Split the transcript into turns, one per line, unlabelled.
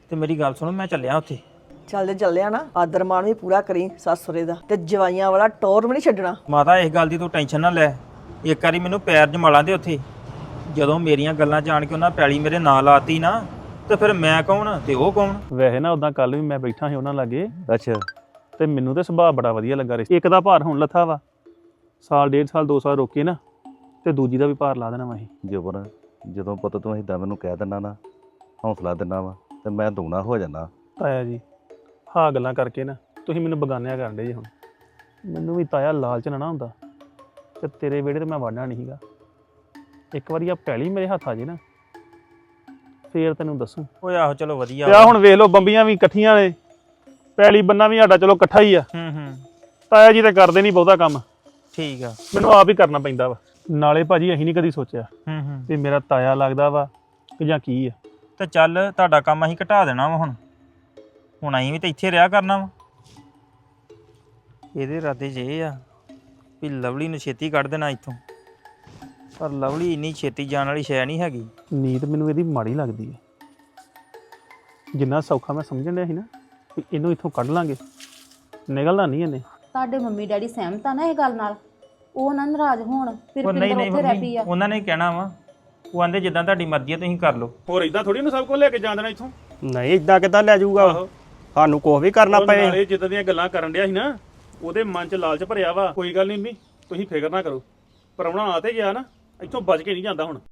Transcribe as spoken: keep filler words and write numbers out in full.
ਤੇ ਮੇਰੀ ਗੱਲ ਸੁਣੋ, ਮੈਂ ਚੱਲਿਆ ਉੱਥੇ।
ਚੱਲ ਜੇ ਚੱਲਿਆ ਨਾ ਆਦਰ ਮਾਣ ਵੀ ਪੂਰਾ ਕਰੀ ਸੱਸ ਸਹੁਰੇ ਦਾ, ਤੇ ਜਵਾਈਆਂ ਵਾਲਾ ਟੌਰ ਵੀ ਨਹੀਂ ਛੱਡਣਾ।
ਮਾਤਾ ਇਸ ਗੱਲ ਦੀ ਤੂੰ ਟੈਨਸ਼ਨ ਨਾ ਲੈ। ਇੱਕ ਵਾਰੀ ਮੈਨੂੰ ਪੈਰ ਜਮਾਲਾਂ ਦੇ ਉੱਥੇ, ਜਦੋਂ ਮੇਰੀਆਂ ਗੱਲਾਂ ਜਾਣ ਕੇ ਉਹਨਾਂ ਪੈਲੀ ਮੇਰੇ ਨਾਂ ਲਾਤੀ ਨਾ, ਤੇ ਫਿਰ ਮੈਂ ਕੌਣ ਤੇ ਉਹ ਕੌਣ।
ਵੈਸੇ ਨਾ ਉਦਾਂ ਕੱਲ ਵੀ ਮੈਂ ਬੈਠਾ ਸੀ ਉਹਨਾਂ ਲਾਗੇ,
ਅੱਛਾ
ਤੇ ਮੈਨੂੰ ਤੇ ਸੁਭਾਅ ਬੜਾ ਵਧੀਆ ਲੱਗਾ। ਰਿਹਾ ਇੱਕ ਦਾ ਭਾਰ ਹੁਣ ਲੱਥਾ ਵਾ, ਸਾਲ ਡੇਢ ਸਾਲ ਦੋ ਸਾਲ ਰੋਕੇ ਨਾ, ਤੇ ਦੂਜੀ ਦਾ ਵੀ ਭਾਰ ਲਾ ਦੇਣਾ ਵਾ ਅਸੀਂ।
ਜਬਰ ਜਦੋਂ ਪੁੱਤ ਤੂੰ ਏਦਾਂ ਮੈਨੂੰ ਕਹਿ ਦਿੰਦਾ ਨਾ, ਹੌਸਲਾ ਦਿੰਦਾ ਵਾ, ਤੇ ਮੈਂ ਦੁਗਣਾ ਹੋ ਜਾਣਾ।
ਤਾਇਆ ਜੀ ਹਾਂ ਗੱਲਾਂ ਕਰਕੇ ਨਾ ਤੁਸੀਂ ਮੈਨੂੰ ਬਗਾਨਿਆ ਕਰਨ ਡੇ ਜੀ। ਹੁਣ ਮੈਨੂੰ ਵੀ ਤਾਇਆ ਲਾਲਚ ਨਾ ਨਾ ਹੁੰਦਾ, ਤੇ ਤੇਰੇ ਵਿਹੜੇ ਤੇ ਮੈਂ ਵਾੜਨਾ ਨਹੀਂ ਸੀਗਾ। ਇੱਕ ਵਾਰੀ ਆ ਪੈਲੀ ਮੇਰੇ ਹੱਥ ਆ ਜੇ ਨਾ, ਫੇਰ ਤੈਨੂੰ ਦੱਸੂ।
ਓਏ ਆਹੋ ਚਲੋ ਵਧੀਆ
ਤੇ ਆ ਹੁਣ ਵੇਖ ਲਓ ਬੰਬੀਆਂ ਵੀ ਇਕੱਠੀਆਂ ਨੇ, ਪੈਲੀ ਬੰਨਾ ਵੀ ਸਾਡਾ ਚਲੋ ਇਕੱਠਾ ਹੀ ਆ।
ਹੂੰ ਹੂੰ
ਤਾਇਆ ਜੀ ਤੇ ਕਰਦੇ ਨਹੀਂ ਬਹੁਤਾ ਕੰਮ,
ਠੀਕ ਆ।
ਮੈਨੂੰ ਆਪ ਹੀ ਕਰਨਾ ਪੈਂਦਾ ਵਾ। ਨਾਲੇ ਭਾਜੀ ਅਸੀਂ ਨਹੀਂ ਕਦੀ ਸੋਚਿਆ
ਹੂੰ ਹੂੰ
ਵੀ ਮੇਰਾ ਤਾਇਆ ਲੱਗਦਾ ਵਾ ਕਿ ਜਾਂ ਕੀ ਆ।
ਤੇ ਚੱਲ ਤੁਹਾਡਾ ਕੰਮ ਅਸੀਂ ਘਟਾ ਦੇਣਾ ਵਾ। ਹੁਣ ਹੁਣ ਅਸੀਂ ਵੀ ਤਾਂ ਇੱਥੇ ਰਿਹਾ ਕਰਨਾ ਵਾ। ਇਹਦੇ ਇਰਾਦੇ 'ਚ ਇਹ ਆ ਵੀ ਲਵਲੀ ਨੂੰ ਛੇਤੀ ਕੱਢ ਦੇਣਾ ਇੱਥੋਂ, ਪਰ ਲਵਲੀ ਇੰਨੀ ਛੇਤੀ ਜਾਣ ਵਾਲੀ ਸ਼ੈ ਨਹੀਂ ਹੈਗੀ।
ਨੀਤ ਮੈਨੂੰ ਇਹਦੀ ਮਾੜੀ ਲੱਗਦੀ ਹੈ। ਜਿੰਨਾ ਸੌਖਾ ਮੈਂ ਸਮਝਣ ਡਿਆ ਸੀ ਨਾ ਵੀ ਇਹਨੂੰ ਇੱਥੋਂ ਕੱਢ ਲਾਂਗੇ, ਨਿਕਲਣਾ ਨਹੀਂ ਇਹਨੇ।
ਤੁਹਾਡੇ ਮੰਮੀ ਡੈਡੀ ਸਹਿਮਤ ਆ ਨਾ ਇਹ ਗੱਲ ਨਾਲ? ਉਹ ਨਾ ਨਾਰਾਜ਼ ਹੋਣ ਫਿਰ
ਉਹ ਨਹੀਂ
ਪਿੰਦਰ
ਨਹੀਂ
ਉੱਥੇ ਰਹਿ ਪਈ
ਮੰਮੀ,
ਆ।
ਉਹਨਾਂ ਨੇ ਕਹਿਣਾ ਵਾ, ਉਹ ਆਂਦੇ ਜਿੱਦਾਂ ਤੁਹਾਡੀ ਮਰਜ਼ੀ ਹੈ ਤੁਸੀਂ ਕਰ ਲਓ।
ਹੋਰ ਇਦਾਂ ਥੋੜੀ ਨਾ ਸਭ ਕੁਝ ਲੈ ਕੇ ਜਾਣ ਦੇਣਾ ਇੱਥੋਂ।
ਨਹੀਂ ਇਦਾਂ ਕਿੱਦਾਂ ਲੈ ਜਾਊਗਾ ਉਹ? ਸਾਨੂੰ ਕੁਛ ਵੀ ਕਰਨਾ
ਉਹ
ਪਏ।
ਨਾਲੇ ਜਿੱਦਾਂ ਦੀਆਂ ਗੱਲਾਂ ਕਰਨ ਡਿਆ ਸੀ ਨਾ, ਉਹਦੇ ਮਨ 'ਚ ਲਾਲਚ ਭਰਿਆ ਵਾ। ਕੋਈ ਗੱਲ ਨਹੀਂ ਮੰਮੀ, ਤੁਸੀਂ ਫਿਕਰ ਨਾ ਕਰੋ, ਪ੍ਰਾਹੁਣਾ ਆ ਤੇ ਗਿਆ ਨਾ, ਇੱਥੋਂ ਬਚ ਕੇ ਨਹੀਂ ਜਾਂਦਾ ਹੁਣ।